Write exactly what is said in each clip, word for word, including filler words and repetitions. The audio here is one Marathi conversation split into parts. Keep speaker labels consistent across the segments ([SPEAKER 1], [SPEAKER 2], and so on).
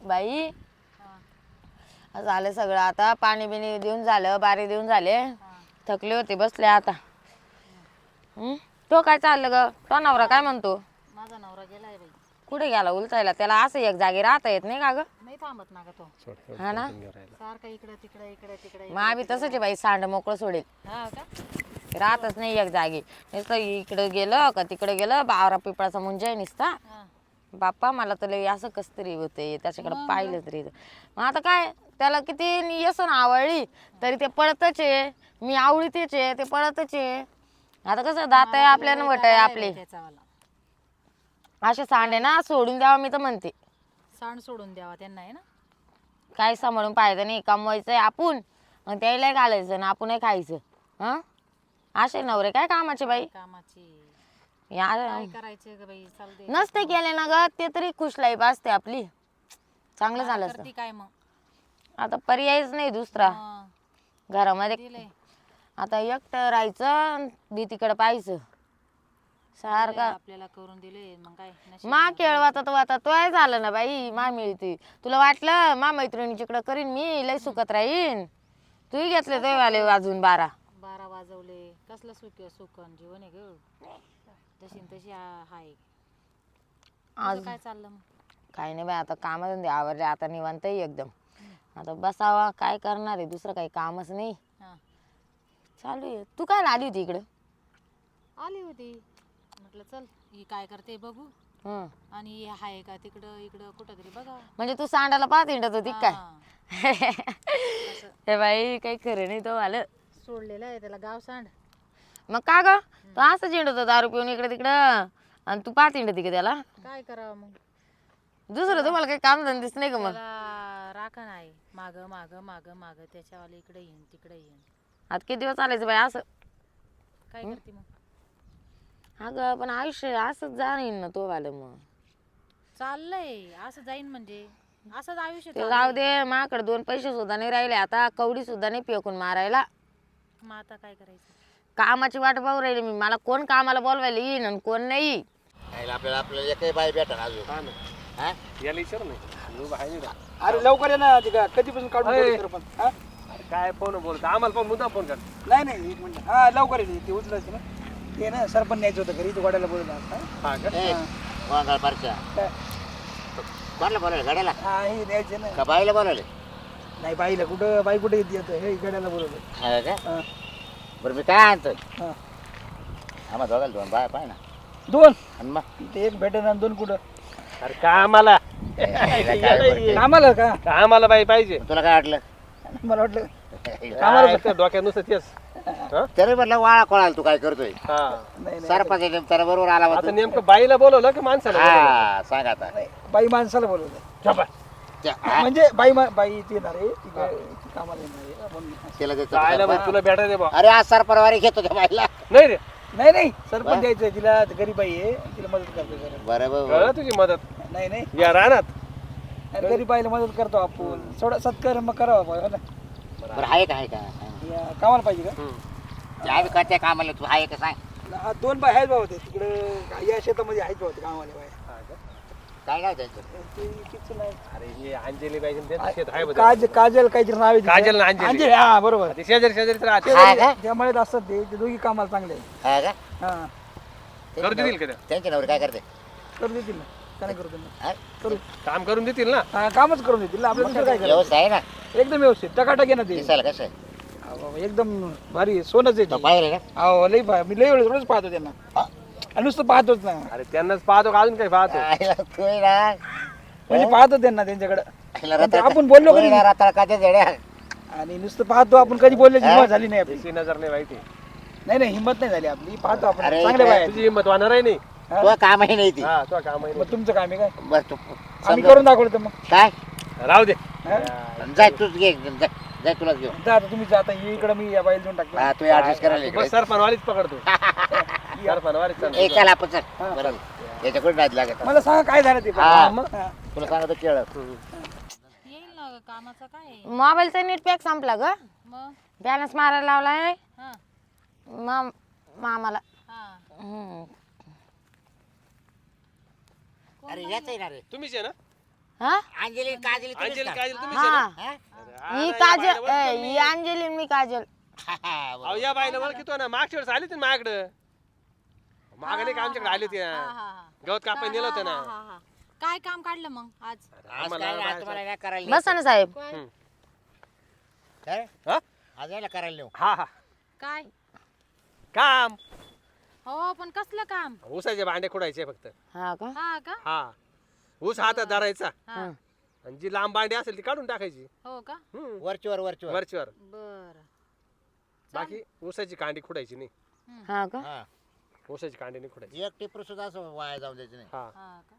[SPEAKER 1] बाई झालं सगळं आता पाणी बिणी देऊन झालं बारी देऊन झाले थकले होते बसले आता हम्म तो काय चाललं ग तो नवरा काय म्हणतो
[SPEAKER 2] माझा नवरा गेलाय बाई
[SPEAKER 1] कुठे गेला उलटायला त्याला असं एक जागी राहता येत नाही का ग
[SPEAKER 2] नाही थांबत ना ग तो
[SPEAKER 1] हा ना
[SPEAKER 2] सारखा इकडे तिकडे इकडे तिकडे
[SPEAKER 1] मग आम्ही तसंच आहे बाई सांड मोकळं सोडेल
[SPEAKER 2] हा का
[SPEAKER 1] राहतच नाही एक जागी नुसतं इकडे गेलं का तिकडे गेलं बावरा पिपळाचा मुंजा आहे नुसता
[SPEAKER 2] हा.
[SPEAKER 1] बाप्पा मला तर लई असं कस तरी होते त्याच्याकडे पाहिलं तरी मग आता काय त्याला किती येसन आवडली तरी ते पळतच आहे मी आवडीतेच आहे ते पळतच आहे आता कसं दात आहे आपल्याला वट आहे आपले असे सांडे ना सोडून द्यावा मी तर म्हणते
[SPEAKER 2] सांड सोडून द्यावा त्यांना आहे ना
[SPEAKER 1] काय सांभाळून पाहायचं नाही कमवायचंय आपण आणि त्याला घालायचं ना आपणही खायचं हं असे नवरे काय कामाचे बाई
[SPEAKER 2] कामाची
[SPEAKER 1] या
[SPEAKER 2] काय करायचे ग बाई चाल दे
[SPEAKER 1] नसते केले ना ग ते तरी खुश लाईफ असते आपली चांगलं झालं असतं
[SPEAKER 2] करती काय मग
[SPEAKER 1] आता पर्यायच नाही दुसरा
[SPEAKER 2] हा,
[SPEAKER 1] घरामध्ये
[SPEAKER 2] दिलंय.
[SPEAKER 1] आता एकटं राहायचं भीतीकडे पाहायचं सारखं
[SPEAKER 2] आपल्याला करून दिले मग काय नशीब.
[SPEAKER 1] मा खेळवाता तो आता तोय झालं ना बाई मा मिळते तुला वाटलं मा मैत्रिणीच्याकडं करीन मी लय सुखत राहीन तूही घेतले तो वाले अजून बारा
[SPEAKER 2] बारा वाजवले कसलं सुख सुकन जीवन आहे ग तशी न तशी आ- हाय
[SPEAKER 1] आज
[SPEAKER 2] तुझं काय चाललं मग
[SPEAKER 1] काही नाही बाई आता काम आवरले आता निवांत आहे एकदम आता बसावा काय करणार आहे दुसरं काही कामच नाही
[SPEAKER 2] हा
[SPEAKER 1] चालू आहे तू काय आली होती इकडं
[SPEAKER 2] आली होती म्हटलं चल ही काय करते बघू
[SPEAKER 1] हं.
[SPEAKER 2] आणि हे हाय का तिकडं इकडं कुठं तरी बघा
[SPEAKER 1] म्हणजे तू सांडाला पाहत हिंडत होती काय
[SPEAKER 2] हा.
[SPEAKER 1] हे बाई काही खरं नाही तो आलं
[SPEAKER 2] सोडलेलं आहे त्याला गाव सांड
[SPEAKER 1] मग का ग तू असं झेंडत होता दारू पिऊन इकडे तिकडं आणि तू पाहत हिंडती का त्याला
[SPEAKER 2] काय करावं मग
[SPEAKER 1] दुसरं तुम्हाला काही काम धंदेच नाही का मग
[SPEAKER 2] त्याला राखण आहे माग माग माग माग त्याच्यावाले इकडे येईन तिकडे येईन
[SPEAKER 1] आता किती दिवस चालायचं बाई असं
[SPEAKER 2] काय करते मग
[SPEAKER 1] अगं पण आयुष्य असंच जाईन ना तो वालं मग
[SPEAKER 2] चाललंय असं जाईन म्हणजे असंच आयुष्य
[SPEAKER 1] ते
[SPEAKER 2] चाललंय.
[SPEAKER 1] जाऊ दे माझ्याकडे दोन पैसे सुद्धा नाही राहिले आता कवडी सुद्धा नाही पेकून मारायला
[SPEAKER 2] मग आता काय करायचं
[SPEAKER 1] कामाची वाट पाहू राहिली मी मला कोण कामाला बोलवायला येईन आणि कोण नाही
[SPEAKER 3] आपल्याला आपल्याला एकही बाई भेटा ना अजून हा?
[SPEAKER 4] याला विचार नाही उभा आहे नाही का?
[SPEAKER 5] अरे लवकर ये ना तिका कधीपासून काढून
[SPEAKER 4] अरे.
[SPEAKER 5] ठेवलं तर पण हा?
[SPEAKER 4] अरे काय फोन बोलतो आम्हाला पण मुद्दा फोन कर
[SPEAKER 5] नाही नाही एक मिनिट हा लवकर ये ते उचलायचे ना ते ना सरपंच न्यायचं होतं घरी तू गाड्याला बोलवलं आता
[SPEAKER 4] हा का
[SPEAKER 3] ए, वांगाळ पारख्या.
[SPEAKER 5] काय?
[SPEAKER 3] कोणाला बोलावलं गाड्याला
[SPEAKER 5] हा हे न्यायचे ना
[SPEAKER 3] का बाईला बोलावले
[SPEAKER 5] नाही बाईला कुठं बाई कुठे येते आता हे गाड्याला बोलवलं
[SPEAKER 3] हा का
[SPEAKER 5] हा
[SPEAKER 3] बरं मी काय आणतोय
[SPEAKER 5] हा
[SPEAKER 3] आम्हा दोघाला दोन बाय पाय ना
[SPEAKER 5] दोन
[SPEAKER 3] आणि मग
[SPEAKER 5] ते एक भेटेन आणि दोन कुठं
[SPEAKER 4] अरे कामाला
[SPEAKER 3] हिला काय बोलते?
[SPEAKER 5] कामाला का
[SPEAKER 4] कामाला बाई पाहिजे
[SPEAKER 3] तुला काय वाटलं
[SPEAKER 5] मला वाटलं
[SPEAKER 4] कामाला फक्त डोक्यात नुसतं तेच हा?
[SPEAKER 3] तरी म्हटलं वाळा कोणाला तू काय करतोय
[SPEAKER 4] हा
[SPEAKER 5] नाही नाही
[SPEAKER 3] सरपंच त्याला बरोबर आला
[SPEAKER 4] आता
[SPEAKER 3] होता
[SPEAKER 4] नेमकं बाईला बोलवलं की माणसाला बोलवलं?
[SPEAKER 3] हा सांग आता
[SPEAKER 5] नाही, बाई माणसाला बोलवलं
[SPEAKER 4] झोपा.
[SPEAKER 3] त्या- हा,
[SPEAKER 5] म्हणजे बाई मा- बाई इथे येणार आहे ती काय- ती कामाला येणार आहे म्हणून.
[SPEAKER 3] तिला देतो
[SPEAKER 4] जायला बाई
[SPEAKER 3] सरपंच.
[SPEAKER 4] तुला भेटा दे बा
[SPEAKER 3] अरे आज सरपरवारी घेतो त्या बाईला
[SPEAKER 4] नाही रे
[SPEAKER 5] नाही नाही सरपंच द्यायचं तिला गरीब बाई आहे तिला मदत करतो जरा.
[SPEAKER 3] बरोबर
[SPEAKER 4] कळलं तुझी मदत
[SPEAKER 5] नाही नाही
[SPEAKER 4] या रानात
[SPEAKER 5] अरे गरीब बाईला मदत करतो आपण थोडा सत्कार मग करावा बा, हो ना.
[SPEAKER 3] बरं आहे का आहे का हा.
[SPEAKER 5] या, कामाला पाहिजे का
[SPEAKER 3] ते आम्ही करते कामाला तू आहे का सांग
[SPEAKER 5] हा, दोन बाय आहेत बाबा ते तिकडे या शेतामध्ये आहेत बाबा ते कामावाले बाय
[SPEAKER 3] काय नाव त्यांचं
[SPEAKER 5] ते किती नाही.
[SPEAKER 4] अरे हे अंजली बाई त्यांचं शेत आहे बघ.
[SPEAKER 5] काज काजल काहीतरी नाव आहे तिचं.
[SPEAKER 4] काजल आणि अंजली.
[SPEAKER 5] अंजली हा बरोबर
[SPEAKER 4] ते शेजारी शेजारी तर राहते.
[SPEAKER 3] हा का?
[SPEAKER 5] त्या मळ्यात असतात ते ते दोघी कामाला चांगले आहेत.
[SPEAKER 3] हा का
[SPEAKER 5] हा
[SPEAKER 4] करू देतील का ते?
[SPEAKER 3] त्यांचे नवरे काय करते
[SPEAKER 5] करू देतील ना का नाही करू देतील ना?
[SPEAKER 3] हा?
[SPEAKER 5] करू
[SPEAKER 4] काम करून देतील ना
[SPEAKER 5] हा, कामच करून देतील आपल्या दुसरं काय करायचं
[SPEAKER 3] व्यवस्था आहे ना
[SPEAKER 5] एकदम व्यवस्थित टकाटक आहे ना ते
[SPEAKER 3] दिसायला कसं आहे?
[SPEAKER 5] हा, बाबा, एकदम भारी आहे, सोनच आहे
[SPEAKER 3] तो
[SPEAKER 5] ते.
[SPEAKER 3] पाहिलं ना
[SPEAKER 5] अहो लई भा- मी लई वेळ रोज पाहतो त्यांना आणि नुसतं पाहतोच ना
[SPEAKER 4] अरे त्यांनाच पाहतो का अजून काही पाहतो
[SPEAKER 3] आईला तू आहे ना
[SPEAKER 5] म्हणजे पाहतो त्यांना त्यांच्याकडे
[SPEAKER 3] आईला
[SPEAKER 5] पण ते
[SPEAKER 3] रताळ-
[SPEAKER 5] आपण बोललो
[SPEAKER 3] तू आहे
[SPEAKER 5] कधी
[SPEAKER 3] ना रताळ का ते जड्या?
[SPEAKER 5] आणि नुसतं पाहतो आपण कधी बोलल्याची हिंमत झाली नाही आपली
[SPEAKER 4] त्याची नजर नाही माहिती
[SPEAKER 5] नाही नाही हिंमत नाही झाली आपली पाहतो आपण
[SPEAKER 3] अरे,
[SPEAKER 5] चांगले बाय आहेत.
[SPEAKER 4] तुझी हिंमत वाहणार आहे नाही
[SPEAKER 3] तो कामही नाही ती
[SPEAKER 4] हा तो काम आहे
[SPEAKER 5] मग तुमचं काम आहे काय
[SPEAKER 3] बस तू
[SPEAKER 5] आम्ही
[SPEAKER 3] समजा.
[SPEAKER 5] करून दाखवलं तर मग
[SPEAKER 3] काय
[SPEAKER 4] नाही. राहू दे
[SPEAKER 5] हा?
[SPEAKER 3] जाय तूच घे जाय जाय तुलाच घेऊ
[SPEAKER 5] जा आता तुम्ही जाता इकडे मी या बाईला देऊन टाकतो
[SPEAKER 3] हा तू ऍडजस्ट करायला
[SPEAKER 4] बस
[SPEAKER 3] इकडे.
[SPEAKER 4] सरपणवारीच पकडतो सरपणवारीच चालतो.
[SPEAKER 3] ए चल आपण चल बरं याच्याकडे नाद लागत
[SPEAKER 5] मला सांगा काय झालं ते पण.
[SPEAKER 3] हा.
[SPEAKER 5] मग हा.
[SPEAKER 3] तुला सांगतो केळ
[SPEAKER 2] येईल ना ग, कामाचं काय आहे?
[SPEAKER 1] मोबाईलचा नेट पॅक संपला ग
[SPEAKER 2] मग
[SPEAKER 1] बॅलन्स मारायला लावलाय
[SPEAKER 2] हा
[SPEAKER 1] मा मामाला
[SPEAKER 2] हा
[SPEAKER 1] हम्म.
[SPEAKER 3] अरे याच येणार रे
[SPEAKER 4] तुम्हीच आहे ना
[SPEAKER 1] हा
[SPEAKER 3] अंजली काजली तुम्हीच
[SPEAKER 4] अंजली
[SPEAKER 3] का?
[SPEAKER 4] काजल तुम्ही
[SPEAKER 1] हा
[SPEAKER 3] हा?
[SPEAKER 1] ही काजल ए, ही अंजली आणि मी काजल
[SPEAKER 3] हा, बरोबर.
[SPEAKER 4] अहो या बाईला ओळखतो ना मागच्या वेळेस आली होती ना माझ्याकडं मागाने का आमच्याकडे आली होती
[SPEAKER 2] हा,
[SPEAKER 4] ना
[SPEAKER 2] हा, हा.
[SPEAKER 4] गवत कापाय नेलं होतं
[SPEAKER 2] हा,
[SPEAKER 4] ना
[SPEAKER 2] हा, हा. काय काम काढलं मग आज
[SPEAKER 3] आज
[SPEAKER 4] आम्हाला
[SPEAKER 3] काय नाही, आज
[SPEAKER 4] बाहेर
[SPEAKER 3] तुम्हाला नाही करायला
[SPEAKER 1] बसा ना साहेब
[SPEAKER 4] हम्म.
[SPEAKER 3] काय?
[SPEAKER 4] हा?
[SPEAKER 3] आज यायला करायला नेऊ
[SPEAKER 4] हा हा
[SPEAKER 2] काय
[SPEAKER 4] काम
[SPEAKER 2] हो पण कसलं काम
[SPEAKER 4] ऊसाचे भांडे खोडायचे फक्त
[SPEAKER 1] हा का
[SPEAKER 2] हा का
[SPEAKER 4] हा ऊस हातात धरायचा
[SPEAKER 2] हा
[SPEAKER 4] आणि जी लांब भांडी असेल ती काढून टाकायची
[SPEAKER 2] हो का
[SPEAKER 4] हम्म.
[SPEAKER 3] वरचीवर वरचीवर
[SPEAKER 4] वरचीवर
[SPEAKER 2] बर
[SPEAKER 4] बाकी ऊसाची कांडी खुडायची नाही
[SPEAKER 1] हा का
[SPEAKER 3] हा
[SPEAKER 4] ऊसाची कांडी नाही खुडायची
[SPEAKER 3] एक टिपर सुद्धा असं वाया जाऊन द्यायचं नाही
[SPEAKER 4] हा
[SPEAKER 2] हा का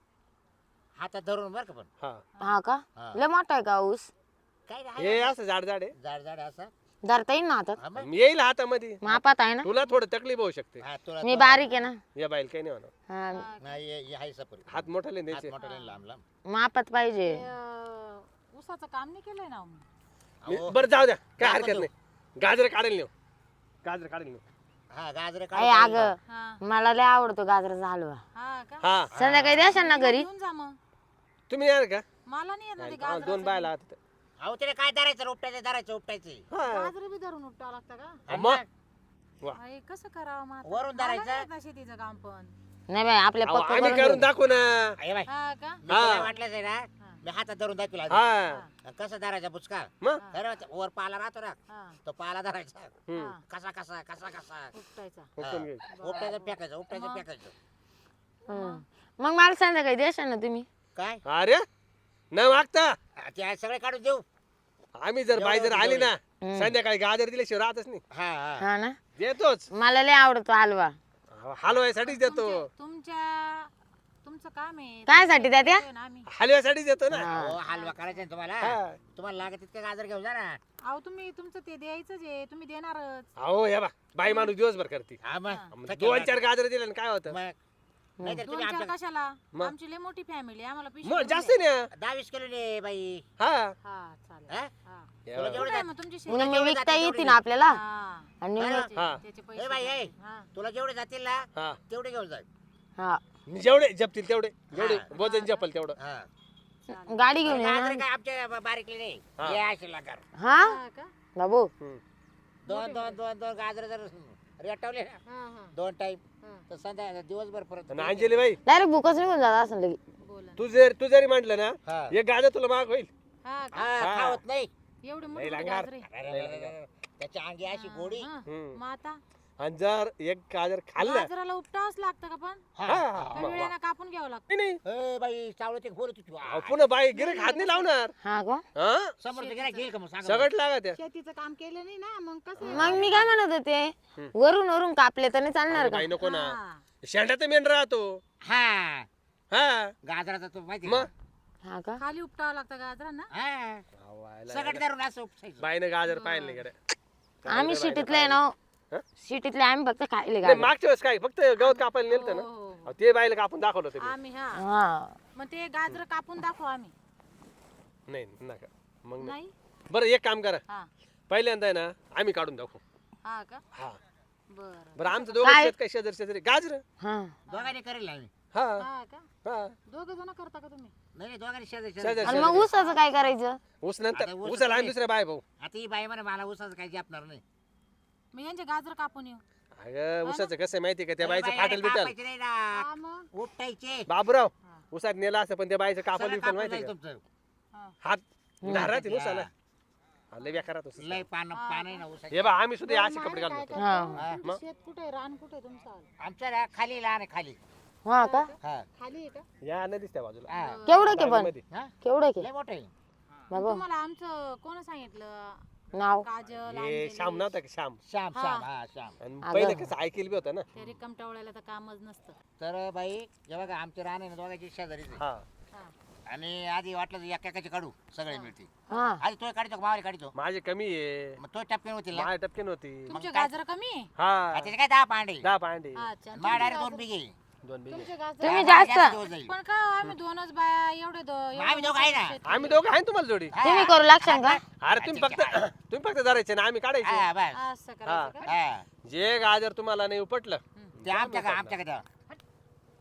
[SPEAKER 3] हातात धरून बरं का पण
[SPEAKER 4] हा
[SPEAKER 1] हा का
[SPEAKER 3] हा.
[SPEAKER 1] लय मोठा आहे का ऊस
[SPEAKER 3] काय
[SPEAKER 4] हे असं जाड जाड आहे
[SPEAKER 3] जाड जाड असं
[SPEAKER 1] धरता येईल ना हातात
[SPEAKER 3] हा मग?
[SPEAKER 4] येईल हातामध्ये
[SPEAKER 1] मापात आहे ना
[SPEAKER 4] तुला थोडं तकलीफ होऊ शकते
[SPEAKER 3] हा, तुला
[SPEAKER 1] मी बारीक आहे ना
[SPEAKER 4] या बाईल काही नाही होणार
[SPEAKER 1] हा
[SPEAKER 3] नाही हे- हे आहे सपरी
[SPEAKER 4] हात मोठाले
[SPEAKER 3] हात
[SPEAKER 4] द्यायचे
[SPEAKER 3] मोठा नाही, लांब लांब
[SPEAKER 1] मापात पाहिजे
[SPEAKER 2] ते, अं, ऊसाचं काम नाही केलंय ना मी.
[SPEAKER 3] अहो,
[SPEAKER 4] बरं जाऊ द्या काय
[SPEAKER 3] दाखव
[SPEAKER 4] हरकत
[SPEAKER 3] तू.
[SPEAKER 4] नाही गाजर काढेल नेऊ गाजर काढेल नेऊ
[SPEAKER 3] हा गाजरे
[SPEAKER 1] अय अग
[SPEAKER 2] हा
[SPEAKER 1] मला लय आवडतो गाजराचा हलवा
[SPEAKER 2] हा का
[SPEAKER 4] हा
[SPEAKER 1] संध्याकाळी द्याशाल ना घरी
[SPEAKER 2] घेऊन जा मग
[SPEAKER 4] तुम्ही येणार का
[SPEAKER 2] मला नाही येत ना ते
[SPEAKER 4] हा, दोन
[SPEAKER 2] गाजराचं
[SPEAKER 4] बायला हात
[SPEAKER 3] अहो त्याला काय धरायचं उपटायचं धरायचं उपटायचं
[SPEAKER 4] हा
[SPEAKER 2] गाजर बी धरून उपटावं लागतं का
[SPEAKER 4] मग वा
[SPEAKER 2] अरे कसं करावं मग आता?
[SPEAKER 3] वरून
[SPEAKER 2] मला
[SPEAKER 3] धरायचं?
[SPEAKER 2] नाही येत ना शेतीचं काम पण
[SPEAKER 1] नाही बाई आपल्या
[SPEAKER 4] अहो,
[SPEAKER 1] पक्क
[SPEAKER 4] आम्ही
[SPEAKER 1] करून
[SPEAKER 4] करून
[SPEAKER 1] देऊ.
[SPEAKER 4] दाखवू ना
[SPEAKER 3] हे बाय
[SPEAKER 2] हा का
[SPEAKER 3] मी तुला
[SPEAKER 4] हा.
[SPEAKER 3] वाटलंच आहे ना मी हातात धरून दाखवला आधी.
[SPEAKER 4] हा
[SPEAKER 3] कसं धरायचा बुचका
[SPEAKER 4] मग
[SPEAKER 3] खरं ते वर पाला राहतो ना
[SPEAKER 2] हा
[SPEAKER 3] तो पाला धरायचा
[SPEAKER 4] हम्म.
[SPEAKER 2] हा.
[SPEAKER 3] कसा कसा कसा कसा
[SPEAKER 2] उपटायचा
[SPEAKER 4] उपटून घ्यायचं.
[SPEAKER 3] उपटायचं फेकायचं उपटायचं
[SPEAKER 2] मग?
[SPEAKER 3] फेकायचं
[SPEAKER 1] हं. मग मला संध्याकाळी द्याशाल ना तुम्ही
[SPEAKER 3] काय
[SPEAKER 4] अरे न मागता
[SPEAKER 3] हा, ते आहे सगळे काढून देऊ
[SPEAKER 4] आम्ही जर बाई जर आली ना संध्याकाळी गाजर दिल्याशिवाय राहतच नाही
[SPEAKER 3] हा हा
[SPEAKER 1] हा ना
[SPEAKER 4] देतोच
[SPEAKER 1] मला लय आवडतो हलवा
[SPEAKER 4] हलव्यासाठीच देतो
[SPEAKER 2] तुमचे- तुमच्या तुमचं काम आहे
[SPEAKER 1] काय साठी द्या त्या
[SPEAKER 2] ते ना आम्ही
[SPEAKER 4] हलव्यासाठीच देतो ना
[SPEAKER 1] हा.
[SPEAKER 3] हो हलवा करायचा आहे ना तुम्हाला
[SPEAKER 4] हा.
[SPEAKER 3] तुम्हाला लागत तितके गाजर घेऊन जा ना
[SPEAKER 2] अहो तुम्ही तुमचं ते द्यायचंच आहे तुम्ही देणारच
[SPEAKER 4] अहो या बा बाई माणूस दिवसभर करते
[SPEAKER 3] हा मग
[SPEAKER 4] मग
[SPEAKER 3] थकेल
[SPEAKER 4] दोन
[SPEAKER 3] वाटतं.
[SPEAKER 4] चार गाजर दिले ना काय होतं
[SPEAKER 3] मग नाही तर
[SPEAKER 2] दोन
[SPEAKER 3] तुम्ही
[SPEAKER 2] चार
[SPEAKER 3] आमच्या
[SPEAKER 2] कशाला
[SPEAKER 4] मग?
[SPEAKER 2] आमची लय मोठी फॅमिली आम्हाला पिशवी
[SPEAKER 4] मग
[SPEAKER 2] भरून
[SPEAKER 4] जास्त
[SPEAKER 2] द्या.
[SPEAKER 4] नाही ना.
[SPEAKER 3] दहा वीस किलो ने बाई
[SPEAKER 4] हा
[SPEAKER 2] हा चालेल
[SPEAKER 3] हा?
[SPEAKER 2] हा
[SPEAKER 4] या
[SPEAKER 3] तुला
[SPEAKER 4] बा.
[SPEAKER 3] जेवढं
[SPEAKER 2] कुठं आहे मग तुमची शेती?
[SPEAKER 1] मग मी
[SPEAKER 3] जेवढे
[SPEAKER 1] विकता
[SPEAKER 3] जाते
[SPEAKER 1] येते
[SPEAKER 3] तेवढे
[SPEAKER 1] ना आपल्याला
[SPEAKER 2] हा.
[SPEAKER 1] आणि
[SPEAKER 3] हा.
[SPEAKER 1] मी-
[SPEAKER 4] हा.
[SPEAKER 2] त्याचे
[SPEAKER 3] ए
[SPEAKER 2] पैसे
[SPEAKER 3] बाई ए
[SPEAKER 2] हा.
[SPEAKER 3] तुला जेवढे जातील ना
[SPEAKER 4] हा
[SPEAKER 3] तेवढे घेऊन जा
[SPEAKER 1] हा
[SPEAKER 4] जेवढे जपतील तेवढे जेवढे
[SPEAKER 3] हा.
[SPEAKER 4] वजन जपल तेवढं
[SPEAKER 3] हा
[SPEAKER 1] गाडी घेऊन ये
[SPEAKER 3] गाजर
[SPEAKER 1] ना
[SPEAKER 3] काय आमच्या बारीकले नाही
[SPEAKER 4] हा.
[SPEAKER 3] हे असे लागार
[SPEAKER 1] हा
[SPEAKER 2] हा का?
[SPEAKER 1] बाबू
[SPEAKER 4] हम्म.
[SPEAKER 3] दोन दोन दोन दोन गाजर जर रेटवले ना
[SPEAKER 2] हा, हा,
[SPEAKER 3] दोन टाइम
[SPEAKER 2] हा.
[SPEAKER 3] तर संध्या दिवसभर परत
[SPEAKER 4] आणि अंजली बाई
[SPEAKER 1] डायरेक्ट भूकच निघून जात असं लगे
[SPEAKER 2] बोला
[SPEAKER 4] तू जर तू जरी म्हटलं ना
[SPEAKER 3] हा.
[SPEAKER 4] एक गाजर तुला माग होईल
[SPEAKER 2] हा का?
[SPEAKER 3] हा
[SPEAKER 4] हा.
[SPEAKER 3] खावत नाही
[SPEAKER 2] एवढे मोठे
[SPEAKER 4] नाही
[SPEAKER 2] मोठे
[SPEAKER 4] लागणार.
[SPEAKER 2] गाजरे.
[SPEAKER 3] अरे, अरे, अरे, अरे. त्याची अंगी अशी गोडी
[SPEAKER 2] हा.
[SPEAKER 4] हम्म.
[SPEAKER 2] मग आता
[SPEAKER 4] आणि जर एक गाजर खाल्लं
[SPEAKER 2] गाजराला उपटावंच लागतं का पण
[SPEAKER 3] हा.
[SPEAKER 4] हा,
[SPEAKER 3] हा.
[SPEAKER 4] हा.
[SPEAKER 2] का वेळेला कापून घ्यावं लागतं
[SPEAKER 4] नाही नाही
[SPEAKER 3] ए बाई चावलं ते बोलत होती
[SPEAKER 4] अहो, पुन्हा बाई गिरे हात नाही लावणार
[SPEAKER 1] हा का
[SPEAKER 4] हा
[SPEAKER 3] समोर गिरा घेईल का मग सांगा
[SPEAKER 4] सगळं लागा त्या
[SPEAKER 2] शेतीचं काम केलं नाही ना मग कसं
[SPEAKER 1] मग मी काय म्हणत होते वरून वरून कापले तर नाही चालणार का
[SPEAKER 4] बाई नको ना
[SPEAKER 2] हा.
[SPEAKER 4] शेंडा तर मेंढ राहतो
[SPEAKER 3] हा
[SPEAKER 4] हा
[SPEAKER 3] गाजराचा तो माहिती
[SPEAKER 4] मग
[SPEAKER 1] हा का
[SPEAKER 2] खाली उपटावं लागतं गाजरांना
[SPEAKER 3] हा
[SPEAKER 4] आवायला
[SPEAKER 3] सगळं धरून असं उपसायचं
[SPEAKER 4] बाईनं गाजर पाहिलं नाही गड्या.
[SPEAKER 1] आम्ही शिटीतले आहे ना
[SPEAKER 4] हा?
[SPEAKER 1] शिटीतले आम्ही फक्त खायले
[SPEAKER 4] नाही,
[SPEAKER 1] गाडी
[SPEAKER 4] मागच्या वेळेस काय फक्त गवत कापायला नेलतं ना
[SPEAKER 2] हो, हो, हो.
[SPEAKER 4] अहो, ते बाईला कापून दाखवलं होतं मी.
[SPEAKER 2] आम्ही हा
[SPEAKER 1] हा
[SPEAKER 2] मग ते गाजर कापून दाखव आम्ही
[SPEAKER 4] नाही नका मग नाही.
[SPEAKER 2] नाही
[SPEAKER 4] बरं एक काम करा
[SPEAKER 2] हा
[SPEAKER 4] पहिल्यांदा आहे ना आम्ही काढून दाखवू
[SPEAKER 2] हा का
[SPEAKER 4] हा
[SPEAKER 2] बर
[SPEAKER 4] बरं आमचं दोघं
[SPEAKER 1] काय?
[SPEAKER 4] शेत काय शेजारी शेजारी गाजर
[SPEAKER 1] हा
[SPEAKER 3] दोघांनी करेल आम्ही
[SPEAKER 4] हा
[SPEAKER 2] हा का
[SPEAKER 4] हा
[SPEAKER 2] दोघ जण करता का तुम्ही
[SPEAKER 3] नाही नाही दोघांनी शेजारी
[SPEAKER 4] शेजारी
[SPEAKER 3] शेजारी
[SPEAKER 1] आणि मग ऊसाचं काय करायचं
[SPEAKER 4] ऊस नंतर
[SPEAKER 3] आता ऊस
[SPEAKER 4] ऊसाला आम्ही
[SPEAKER 3] नाही.
[SPEAKER 4] दुसऱ्या बाय भाऊ
[SPEAKER 3] आता ही बाई म्हणे मला उसाचं काही जपणार नाही
[SPEAKER 2] मी यांचे गाजर कापून येऊ
[SPEAKER 4] अगं ऊसाचं कसं आहे माहिती का त्या
[SPEAKER 3] अरे
[SPEAKER 4] बाईचं
[SPEAKER 3] बाई,
[SPEAKER 4] फाटल
[SPEAKER 3] अरे
[SPEAKER 4] बिटल
[SPEAKER 3] कापायचे नाही ना
[SPEAKER 2] हा मग
[SPEAKER 3] उपटायचे
[SPEAKER 4] बाबूराव
[SPEAKER 2] हा.
[SPEAKER 4] उसात नेला असं पण त्या बाईचं कापल
[SPEAKER 3] सगळं
[SPEAKER 4] बिपल
[SPEAKER 3] कापून
[SPEAKER 4] माहिती
[SPEAKER 3] जाईल
[SPEAKER 4] का
[SPEAKER 3] तुमचं
[SPEAKER 2] हा.
[SPEAKER 4] हात धार राहते
[SPEAKER 3] हा.
[SPEAKER 4] ऊसाला हा, लय बेकारात ऊस.
[SPEAKER 3] लय पान पान आहे ना उसाचे
[SPEAKER 4] हे बा आम्ही सुद्धा
[SPEAKER 2] बरं,
[SPEAKER 4] असे
[SPEAKER 2] मामी
[SPEAKER 4] कपडे
[SPEAKER 2] काय
[SPEAKER 4] घालतो
[SPEAKER 2] करतो?
[SPEAKER 1] हा.
[SPEAKER 2] तुमचं शेत कुठे आहे? रान कुठे आहे तुमचं
[SPEAKER 3] आमच्या ना खाली लहान आहे खाली
[SPEAKER 1] हा का
[SPEAKER 3] हा
[SPEAKER 2] खाली आहे का
[SPEAKER 4] या नदीच त्या बाजूला
[SPEAKER 3] हा
[SPEAKER 1] केवढं के पण
[SPEAKER 4] मध्ये.
[SPEAKER 3] हा?
[SPEAKER 1] केवढं के
[SPEAKER 3] लय मोठं आहे
[SPEAKER 1] बाबू
[SPEAKER 2] तुम्हाला आमचं कोण सांगितलं
[SPEAKER 1] नाव
[SPEAKER 2] काजल
[SPEAKER 4] हे
[SPEAKER 2] अंजली,
[SPEAKER 4] श्याम नव्हता का श्याम
[SPEAKER 3] श्याम
[SPEAKER 2] हा.
[SPEAKER 3] श्याम हा श्याम
[SPEAKER 4] आणि
[SPEAKER 1] अगं.
[SPEAKER 4] पहिले कसं ऐकेल बी होतं ना
[SPEAKER 2] ते रिकम टवळायला तर कामच नसतं
[SPEAKER 3] तर बाई हे बघा आमचे रान आहे ना दोघांची शेजारीच आहे.
[SPEAKER 4] हा
[SPEAKER 2] हा.
[SPEAKER 3] आणि आधी वाटलं तर एका एकाचे काढू सगळे मिळते
[SPEAKER 1] हा
[SPEAKER 3] आधी तो काढतो मावाली काढतो
[SPEAKER 4] माझे कमी आहे
[SPEAKER 3] मग तो टपके होतील ना
[SPEAKER 4] माझ्या टपके नव्हती
[SPEAKER 2] तुमचे
[SPEAKER 3] काय?
[SPEAKER 2] गाजर कमी आहे
[SPEAKER 4] हा
[SPEAKER 3] त्याचे काय दहा पांडे
[SPEAKER 4] दहा पांडे
[SPEAKER 2] अच्छा
[SPEAKER 3] मा डायरेक्ट दोन बिघे
[SPEAKER 4] दोन बिघे
[SPEAKER 2] तुमचे गाजर
[SPEAKER 1] तुम्ही
[SPEAKER 3] आम्हाला
[SPEAKER 1] जास्त
[SPEAKER 3] दिवस जाईल
[SPEAKER 2] पण का हो, आम्ही दोनच बाया एवढे दो एवढं
[SPEAKER 3] आम्ही दोघं आहे ना.
[SPEAKER 2] शेत-
[SPEAKER 4] आम्ही दोघं आहे ना तुम्हाला जोडी
[SPEAKER 1] तुम्ही करू लागशाल का
[SPEAKER 4] अरे तुम्ही फक्त तुम्ही फक्त धरायचे ना आम्ही काढायचे
[SPEAKER 3] हा बस
[SPEAKER 2] असं करायचं का
[SPEAKER 3] हा
[SPEAKER 4] जे गाजर तुम्हाला नाही उपटलं
[SPEAKER 3] ते आमच्या का आमच्या का
[SPEAKER 4] ते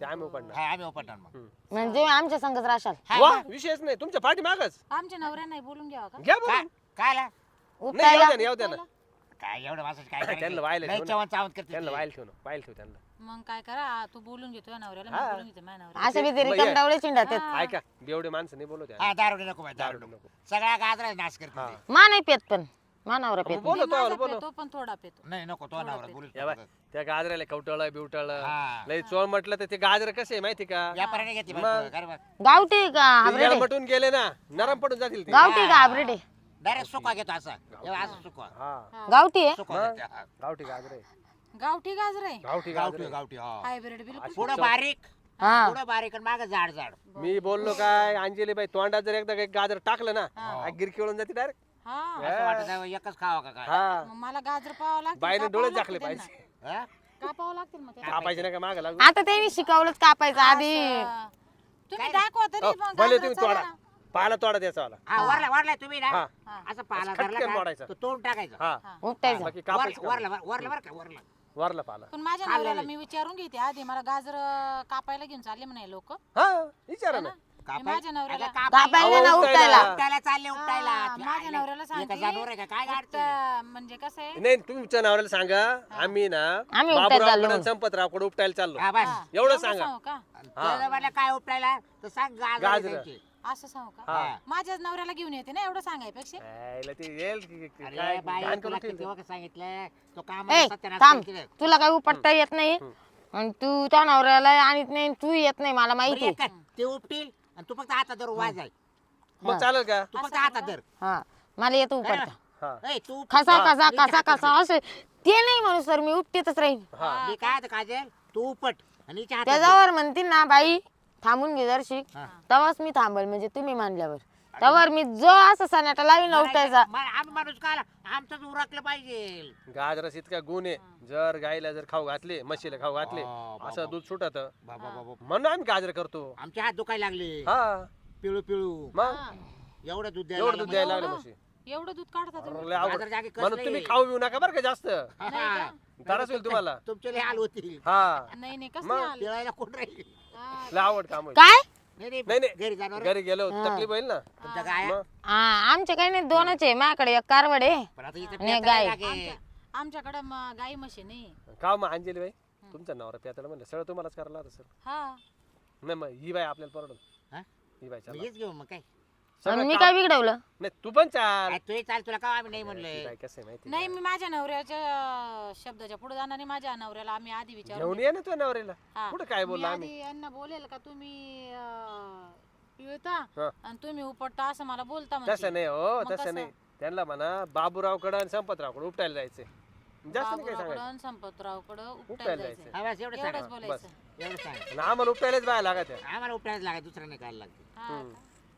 [SPEAKER 4] ते आम्ही उपडणार
[SPEAKER 3] हा आम्ही उपटणार मग
[SPEAKER 1] म्हणजे आमच्या संगत राशाल
[SPEAKER 3] हा,
[SPEAKER 4] वा
[SPEAKER 3] मग.
[SPEAKER 4] विषयच नाही तुमच्या पाठी मागच
[SPEAKER 2] आमच्या नवऱ्या नाही बोलून घ्यावा का
[SPEAKER 4] घ्या
[SPEAKER 3] काय
[SPEAKER 4] बोलून.
[SPEAKER 3] काय आला?
[SPEAKER 4] नाही
[SPEAKER 1] उपटायला
[SPEAKER 4] येऊ द्या ना, येऊ द्या ना
[SPEAKER 3] काय एवढं माणसाचं काय
[SPEAKER 4] त्यांना
[SPEAKER 3] करायचं?
[SPEAKER 4] वायला
[SPEAKER 3] लय
[SPEAKER 4] ठेव ना.
[SPEAKER 3] चवण चावत करते
[SPEAKER 4] त्यांना
[SPEAKER 3] ते.
[SPEAKER 4] वाईल ठेव ना वाईल ठेव त्यांना
[SPEAKER 2] मग काय करा तू बोलून घेतो या नवऱ्याला मी
[SPEAKER 4] हा.
[SPEAKER 2] बोलून घेतो माझ्या नवऱ्याला
[SPEAKER 1] असं बी
[SPEAKER 4] मग
[SPEAKER 1] तरी
[SPEAKER 4] ये.
[SPEAKER 1] कंटावळे चिंडात आहेत.
[SPEAKER 4] ऐका बेवडे माणसं नाही बोलू द्या
[SPEAKER 3] हा दारू नको बाई, दारू
[SPEAKER 4] दारू
[SPEAKER 3] नको
[SPEAKER 4] नको.
[SPEAKER 3] सगळ्या गाजरा नाश करते
[SPEAKER 4] हा.
[SPEAKER 3] ते.
[SPEAKER 1] मा नाही पेत पण मानावर पेत
[SPEAKER 4] बोलो
[SPEAKER 2] मी
[SPEAKER 4] तो
[SPEAKER 2] माझा
[SPEAKER 4] बोलो
[SPEAKER 2] पेतो पण थोडा पेतो
[SPEAKER 3] नाही नको तो नवरा बोलू
[SPEAKER 4] या बाय त्या गाजराला कवटळ बिवटळ
[SPEAKER 3] हा.
[SPEAKER 4] लय चोळ म्हटलं तर ते गाजर कसे आहे माहिती का
[SPEAKER 3] व्यापाऱ्याने घेतली
[SPEAKER 4] मग.
[SPEAKER 3] बाई, काय बघ.
[SPEAKER 1] गावठी का
[SPEAKER 4] ते
[SPEAKER 1] हायब्रिड आहे?
[SPEAKER 4] येळमटून गेले ना नरम पडून जातील ते
[SPEAKER 1] गावठी का हायब्रिड आहे?
[SPEAKER 3] डायरेक्ट सुका घेतो असा एवढा असं सुका
[SPEAKER 4] हा
[SPEAKER 1] गावठी आहे
[SPEAKER 3] सुका
[SPEAKER 4] मग?
[SPEAKER 3] घेतो, हा.
[SPEAKER 4] गावठी गाजर आहे
[SPEAKER 2] गावठी गाजर आहे
[SPEAKER 4] गावठी
[SPEAKER 3] गावठी
[SPEAKER 4] गाजर
[SPEAKER 3] गावठी हा
[SPEAKER 2] हायब्रिड बिलकुल
[SPEAKER 3] पुढं बारीक
[SPEAKER 1] हा
[SPEAKER 3] पुढं बारीक आणि मागं जाड जाड
[SPEAKER 4] मी बोललो काय अंजली बाई तोंडात जर एकदा काही गाजर टाकलं ना गिरकी वळून जाते डायरेक्ट
[SPEAKER 2] हा
[SPEAKER 3] असं वाटत आहे, एकच खावा का काय
[SPEAKER 4] हा
[SPEAKER 2] मग मला गाजर पाहावं लागतं
[SPEAKER 4] बाईने डोळे झाकले
[SPEAKER 2] त्यांना.
[SPEAKER 4] पाहिजे
[SPEAKER 3] हा?
[SPEAKER 2] कापावं लागतील मग ते.
[SPEAKER 4] कापायचे नाही का माग लागू
[SPEAKER 1] आता त्यांनी शिकवलंच कापायचं आधी
[SPEAKER 2] असं. तुम्ही दाखवा तरी
[SPEAKER 4] अहो,
[SPEAKER 2] मग
[SPEAKER 4] भले
[SPEAKER 2] गाजर
[SPEAKER 4] तुम्ही
[SPEAKER 2] चालेल
[SPEAKER 4] तोडा
[SPEAKER 2] ना.
[SPEAKER 4] पाला तोडा त्याचा वाला
[SPEAKER 3] हा वरला वरला तुम्ही ना
[SPEAKER 4] हा
[SPEAKER 3] असं पाला
[SPEAKER 4] असं
[SPEAKER 3] धरला
[SPEAKER 4] खटक्यान
[SPEAKER 3] का,
[SPEAKER 4] मोडायचं.
[SPEAKER 3] तो तोंड टाकायचं
[SPEAKER 4] हा
[SPEAKER 1] उपटायचं
[SPEAKER 4] बाकी
[SPEAKER 3] वर-
[SPEAKER 4] कापायचं का?
[SPEAKER 3] वरला वरला बरं का वरला
[SPEAKER 4] वरला पाला
[SPEAKER 2] पण माझ्या नवऱ्याला मी विचारून घेते आधी मला गाजर अं, कापायला घेऊन चालले म्हणे लोक
[SPEAKER 4] हा विचारा ना
[SPEAKER 2] माझ्या नवऱ्याला
[SPEAKER 1] कापायला ना
[SPEAKER 4] अहो,
[SPEAKER 1] उपटायला
[SPEAKER 4] उपटायला.
[SPEAKER 3] उपटायला चालले उपटायला
[SPEAKER 2] हा,
[SPEAKER 3] ती
[SPEAKER 2] माझ्या
[SPEAKER 3] आईला-
[SPEAKER 2] नवऱ्याला
[SPEAKER 3] एका
[SPEAKER 2] सांगते
[SPEAKER 3] जनावर आहे का काय गाडते
[SPEAKER 2] तर म्हणजे कसं आहे
[SPEAKER 4] नाही तुमच्या नवऱ्याला सांगा आम्ही ना
[SPEAKER 1] आम्ही उपटायला चाललो.
[SPEAKER 4] बाबूराव संपतरावकडे उपटायला चाललो
[SPEAKER 3] हा बस
[SPEAKER 2] हा,
[SPEAKER 4] एवढं सांगा
[SPEAKER 2] सांगू का
[SPEAKER 3] त्याला म्हणलं काय उपटायला तर सांग गाजर
[SPEAKER 4] गाजर.
[SPEAKER 3] द्यायची.
[SPEAKER 2] असं सांगू का
[SPEAKER 4] हा
[SPEAKER 2] माझ्याच नवऱ्याला घेऊन येते ना एवढं सांगायपेक्षा
[SPEAKER 4] यायला ते येईल की- की-
[SPEAKER 3] अरे
[SPEAKER 4] काय
[SPEAKER 3] बाई
[SPEAKER 4] घाण
[SPEAKER 3] तुला
[SPEAKER 4] करून
[SPEAKER 3] किती
[SPEAKER 4] ठेवलं.
[SPEAKER 3] वखत सांगितलं तो काम
[SPEAKER 1] ए
[SPEAKER 3] सत्यानाश
[SPEAKER 1] थांब
[SPEAKER 3] करतील.
[SPEAKER 1] तुला काही उपटता येत नाही आणि तू त्या नवऱ्याला आणत नाही आणि तू येत नाही मला
[SPEAKER 3] बरं,
[SPEAKER 1] माहिती
[SPEAKER 3] एक काय, ते उपटील आणि तू फक्त हातात धर वाजाय
[SPEAKER 4] मग चालेल का
[SPEAKER 3] तू फक्त हातात धर
[SPEAKER 1] हा मला येतो उपटता
[SPEAKER 4] हा
[SPEAKER 3] ए, तू उपट.
[SPEAKER 1] कसा कसा
[SPEAKER 3] मी
[SPEAKER 1] कसा
[SPEAKER 3] हातात
[SPEAKER 1] कसा असं ते नाही म्हणू सर मी उपटेतच राहीन
[SPEAKER 4] हा
[SPEAKER 3] मी काय आता काजल तू उपट आणि हिच्या हातात धर.
[SPEAKER 1] त्याच्यावर म्हणतील ना बाई थांबून घे जरशिक
[SPEAKER 3] हा.
[SPEAKER 1] तेव्हाच मी थांबल म्हणजे तुम्ही मानल्यावर तेव्हावर मी जो असं सनाटा लावीन ना उपटायचा
[SPEAKER 3] मला- आम्ही माणूस काय आमचंच उरकलं पाहिजे
[SPEAKER 4] गाजरास इतका गुण आहे जर गाईला जर खाऊ घातले म्हशीला खाऊ घातले
[SPEAKER 3] हा, बाबा.
[SPEAKER 4] असं दूध सुटत
[SPEAKER 3] बाबा बाबा
[SPEAKER 4] म्हणून आम्ही गाजर करतो
[SPEAKER 3] आमचे हात दुखायला लागले
[SPEAKER 4] हा
[SPEAKER 3] पिळू पिळू
[SPEAKER 4] मग
[SPEAKER 3] एवढं दूध द्यायला
[SPEAKER 4] एवढं दूध
[SPEAKER 3] लागलं.
[SPEAKER 4] द्यायला लागले म्हशी
[SPEAKER 2] एवढं दूध काढता तुम्ही
[SPEAKER 4] लय अवघड.
[SPEAKER 3] गाजर जागी कसलंय.
[SPEAKER 4] म्हणून तुम्ही खाऊ पिऊ नका बरं का जास्त
[SPEAKER 3] हा.
[SPEAKER 4] त्रास होईल तुम्हाला
[SPEAKER 3] तुमचे लय हाल होतील
[SPEAKER 4] हा
[SPEAKER 2] नाही नाही कसं
[SPEAKER 4] मग?
[SPEAKER 2] नाही आलं
[SPEAKER 3] पिळायला कोण राहील
[SPEAKER 2] हा,
[SPEAKER 4] लय आवड काम होईल.
[SPEAKER 1] काय
[SPEAKER 3] नाही नाही
[SPEAKER 4] नाही नाही
[SPEAKER 3] घरी जाणार
[SPEAKER 4] घरी गेलो तकलीफ होईल ना
[SPEAKER 3] तुमच्या गाया
[SPEAKER 4] मग
[SPEAKER 1] हा आमचे काही नाही दोनच आहे माझ्याकडे एक कारवड आहे
[SPEAKER 3] पण आता इथं
[SPEAKER 1] नाही,
[SPEAKER 3] पेटायला
[SPEAKER 1] गाय.
[SPEAKER 3] लागे.
[SPEAKER 2] आमच्याकडे म- गाई म्हशी नाही
[SPEAKER 4] का मग अंजली बाई तुमचा नवरा प्याताला म्हणलं सगळं तुम्हालाच करायला लागतं सर
[SPEAKER 2] हा
[SPEAKER 4] नाही मग ही बाई आपल्याला परवडल
[SPEAKER 3] हा?
[SPEAKER 4] ही बाई
[SPEAKER 3] मग
[SPEAKER 4] चला
[SPEAKER 3] हेच घेऊ मग काय
[SPEAKER 4] सगळं
[SPEAKER 1] मी
[SPEAKER 4] काम-
[SPEAKER 1] काय बिघडवलं
[SPEAKER 4] नाही तू पण चाल
[SPEAKER 3] काय तूही चाल तुला का आम्ही नाही
[SPEAKER 4] ती
[SPEAKER 3] म्हणलंय
[SPEAKER 4] बाई कसं आहे माहिती
[SPEAKER 2] नाही मी माझ्या नवऱ्याच्या अं, शब्दाच्या पुढे जाणार नाही माझ्या नवऱ्याला आम्ही आधी विचारू
[SPEAKER 4] घेऊन ये ना तुझ्या नवऱ्याला
[SPEAKER 2] हा.
[SPEAKER 4] कुठं काय
[SPEAKER 2] मी
[SPEAKER 4] बोलला आम्ही
[SPEAKER 2] आधी यांना बोलेल का तुम्ही अं, पिळता
[SPEAKER 4] हा.
[SPEAKER 2] आणि तुम्ही उपटता असं मला बोलता
[SPEAKER 4] तसं
[SPEAKER 2] म्हणते.
[SPEAKER 4] नाही हो
[SPEAKER 2] मग
[SPEAKER 4] तसं
[SPEAKER 2] कसं?
[SPEAKER 4] नाही त्यांना म्हणा बाबूरावकडं आणि संपतरावकडं उपटायला जायचंय जास्त नाही काय
[SPEAKER 2] बाबूरावकडं
[SPEAKER 4] सांगायचं
[SPEAKER 2] आणि संपतरावकडं उपटायला
[SPEAKER 4] उपटायला
[SPEAKER 2] जायचं
[SPEAKER 4] जायचं
[SPEAKER 3] हा, बस एवढं
[SPEAKER 2] एवढंच
[SPEAKER 3] सांग
[SPEAKER 2] बोलायचं
[SPEAKER 3] एवढं सांग
[SPEAKER 4] आणि आम्हाला उपटायलाच बाय लागत आहे.
[SPEAKER 3] आम्हाला उपटायला लागाय दुसरं नाही खायला लागते
[SPEAKER 2] हा का?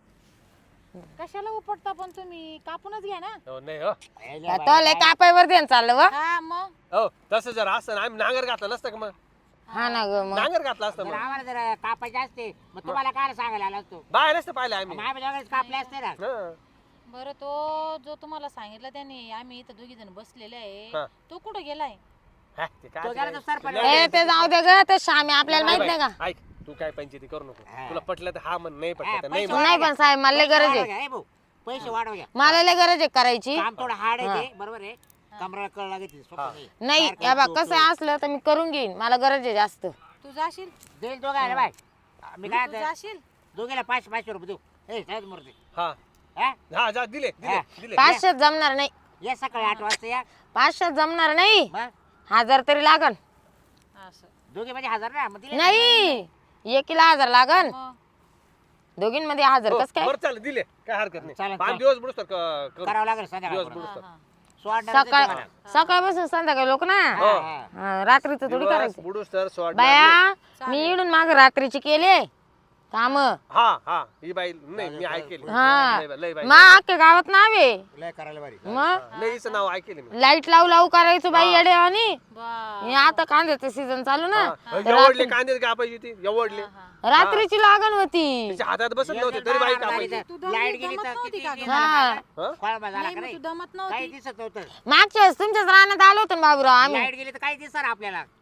[SPEAKER 2] कशाला उपटता पण तुम्ही कापूनच घ्या ना
[SPEAKER 4] हो नाही हो
[SPEAKER 1] तो लय कापायवर देण चाललं व
[SPEAKER 2] हा मग
[SPEAKER 4] हो तसं जर असतं ना आम्ही नांगर घातलं नसतं का मग
[SPEAKER 1] हा ना ग मग
[SPEAKER 4] नांगर घातलं असतं
[SPEAKER 3] जर
[SPEAKER 4] मग
[SPEAKER 3] आम्हाला जर कापायचे असते मग तुम्हाला काय सांगायला आला असतो
[SPEAKER 4] बाय नसतं पाहिलं आम्ही
[SPEAKER 3] मग आम्ही दोघेच कापले असते ना
[SPEAKER 4] हं.
[SPEAKER 2] बरं तो जो तुम्हाला सांगितलं त्याने आम्ही इथं दोघी जण बसलेले
[SPEAKER 4] हा.
[SPEAKER 2] आहे तो कुठं गेलाय
[SPEAKER 4] हा, ते काय
[SPEAKER 3] तो
[SPEAKER 4] ते
[SPEAKER 3] गेला
[SPEAKER 4] काय-
[SPEAKER 3] तर सरपंच.
[SPEAKER 4] नाही,
[SPEAKER 1] ए ते जाऊ दे ग ते श्यामी आपल्याला माहित नाही का
[SPEAKER 4] बाई, ऐक तू काय पंचायती करू नको
[SPEAKER 3] हा.
[SPEAKER 4] तुला पटलं तर हा म्हण नाही
[SPEAKER 3] हा,
[SPEAKER 4] पटलं तर नाही
[SPEAKER 3] पैसे
[SPEAKER 4] म्हण.
[SPEAKER 1] नाही पण साहेब मला लय
[SPEAKER 3] पैसे
[SPEAKER 1] गरज
[SPEAKER 3] वाढव
[SPEAKER 1] आहे
[SPEAKER 3] घ्या, ए भाऊ पैसे वाढव घ्या
[SPEAKER 1] मला लय गरज आहे करायची
[SPEAKER 3] काम थोडं हार्ड आहे ते, बरोबर आहे कमरा कळ लागते सोपं
[SPEAKER 4] हा.
[SPEAKER 3] नाही.
[SPEAKER 1] नाही
[SPEAKER 3] सारखं
[SPEAKER 1] या बा
[SPEAKER 3] तो-
[SPEAKER 1] कसं
[SPEAKER 3] तो-
[SPEAKER 1] असलं तर मी करून घेईन मला गरज आहे जास्त
[SPEAKER 2] तू जाशील
[SPEAKER 3] देईल दोघायला बाय मी काय
[SPEAKER 2] तू
[SPEAKER 3] म्हणतो,
[SPEAKER 2] जाशील
[SPEAKER 3] दोघीला पाचशे पाचशे रुपये देऊ ए साहेब मूर्ती
[SPEAKER 4] हा
[SPEAKER 3] हा
[SPEAKER 4] हा जा दिले दिले
[SPEAKER 3] हा.
[SPEAKER 4] दिले
[SPEAKER 1] पाचशे जमणार नाही
[SPEAKER 3] या सकाळी आठ वाजता या
[SPEAKER 1] पाचशे जमणार नाही
[SPEAKER 3] मग
[SPEAKER 1] हजार तरी लागन
[SPEAKER 2] असं
[SPEAKER 3] दोघे म्हणजे हजार ना मग दिले
[SPEAKER 1] नाही एकीला हजार लागन
[SPEAKER 2] मग
[SPEAKER 1] दोघींमध्ये हजार
[SPEAKER 4] हो,
[SPEAKER 1] कस काय
[SPEAKER 4] बरं चालेल दिले काय हरकत
[SPEAKER 3] चालेल,
[SPEAKER 4] नाही पाच
[SPEAKER 3] चालेल.
[SPEAKER 4] दिवस बुडूस तर क- करू
[SPEAKER 3] करावं लागेल
[SPEAKER 4] दिवस
[SPEAKER 3] संध्याकाळ
[SPEAKER 4] बुडूस
[SPEAKER 2] हा,
[SPEAKER 4] तर
[SPEAKER 2] हा.
[SPEAKER 1] सकाळ सकाळपासून संध्याकाळी लोक ना हा, रात्रीचं थोडी
[SPEAKER 4] दिवस
[SPEAKER 1] करायचं
[SPEAKER 4] बुडूस तर सोड
[SPEAKER 1] बाया मी इडून माग रात्रीची केले काम
[SPEAKER 4] हा हा ही बाई नाही मी ऐकेली
[SPEAKER 1] हा
[SPEAKER 4] लय बाई- लय बाई
[SPEAKER 1] मग अख्ख्या गावात नावे
[SPEAKER 3] लय करायला भारी
[SPEAKER 1] मग
[SPEAKER 4] नाही हिचं नाव ऐकेले मी
[SPEAKER 1] लाईट लावू लावू करायचं बाई येडे आणि
[SPEAKER 2] बा
[SPEAKER 1] हे आता कांद्याचं सीझन चालू ना
[SPEAKER 4] हा, एवढले कांदे कापायची ती एवढले
[SPEAKER 1] रात्रीची लागण होती
[SPEAKER 4] तिच्या हातात बसत नव्हते तरी बाई कापायची
[SPEAKER 3] लाईट गेली तर
[SPEAKER 2] नव्हती
[SPEAKER 3] किती
[SPEAKER 2] का
[SPEAKER 3] दिवस
[SPEAKER 1] हा.
[SPEAKER 3] झाला
[SPEAKER 4] हा?
[SPEAKER 3] कोळंबा झाला
[SPEAKER 2] नाही
[SPEAKER 3] का
[SPEAKER 2] मग
[SPEAKER 3] नाही
[SPEAKER 2] तू दमत
[SPEAKER 3] काही
[SPEAKER 2] नव्हती
[SPEAKER 3] दिसत नव्हतं
[SPEAKER 1] मागच्या वेळेस तुमच्याच रानात आलो होतो ना बाबूराव आम्ही
[SPEAKER 3] लाईट गेली तर काही दिसणार आपल्याला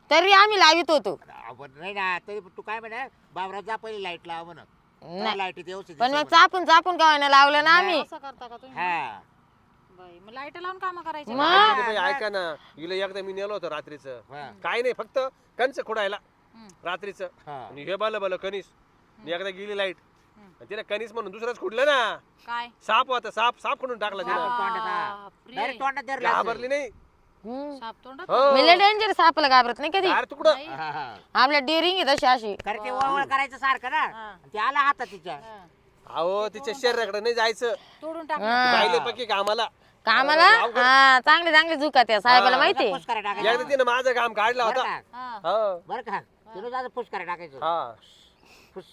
[SPEAKER 1] तरी आम्ही लावित होतो.
[SPEAKER 3] आपण नाही ना तरी तू काय म्हणा बाबरात जा पहिली लाईट लाव म्हणा
[SPEAKER 1] नाही.
[SPEAKER 3] लाईट व्यवस्थित
[SPEAKER 1] पण मग
[SPEAKER 3] दिसेल
[SPEAKER 1] चापून चापून का लावलं ना आम्ही.
[SPEAKER 2] असं करता का तुम्ही?
[SPEAKER 3] हा
[SPEAKER 2] बाई मग लाईट लावून काम करायचे
[SPEAKER 1] मग?
[SPEAKER 4] ऐका ना बाई, ऐका ना हिला एकदा मी नेलो होतो रात्रीचं
[SPEAKER 3] हा.
[SPEAKER 4] काय नाही फक्त कंच खोडायला
[SPEAKER 2] हम्म.
[SPEAKER 4] रात्रीचं
[SPEAKER 3] हा.
[SPEAKER 4] आणि हे बाल बाल कणीस आणि एकदा गेली लाईट तिला कणीस म्हणून दुसरंच खुडलं ना
[SPEAKER 2] काय
[SPEAKER 4] साप होता साप साप खुडून टाकला तिला
[SPEAKER 2] बापरे.
[SPEAKER 3] डायरेक्ट तोंडात धरला असेल.
[SPEAKER 4] घाबरली नाही
[SPEAKER 1] हम्म.
[SPEAKER 2] साप तोंडात
[SPEAKER 4] हो
[SPEAKER 1] मी लय डेंजर सापला घाबरत नाही कधी.
[SPEAKER 4] अरे तुकडं
[SPEAKER 3] हा, हा.
[SPEAKER 1] आपल्या डेअरिंग आहे तशी अशी.
[SPEAKER 3] कारण ते ओवळ करायचं सारखं ना
[SPEAKER 2] हा.
[SPEAKER 3] ते आला हातात तिच्या
[SPEAKER 2] हा.
[SPEAKER 4] अहो तिच्या शरीराकडे नाही जायचं
[SPEAKER 2] तोडून टाक
[SPEAKER 1] हा.
[SPEAKER 4] पाहिले पक्की कामाला
[SPEAKER 1] कामाला हा चांगले चांगले झुका त्या साहेबाला माहिती.
[SPEAKER 3] फुसकारा टाकायचं
[SPEAKER 4] एकदा तिने माझं काम काढलं
[SPEAKER 3] बरं
[SPEAKER 4] होता
[SPEAKER 3] का
[SPEAKER 2] हा.
[SPEAKER 4] हो
[SPEAKER 3] बरं का तिने जायचं फुसकारा टाकायचं
[SPEAKER 4] हा
[SPEAKER 3] फुस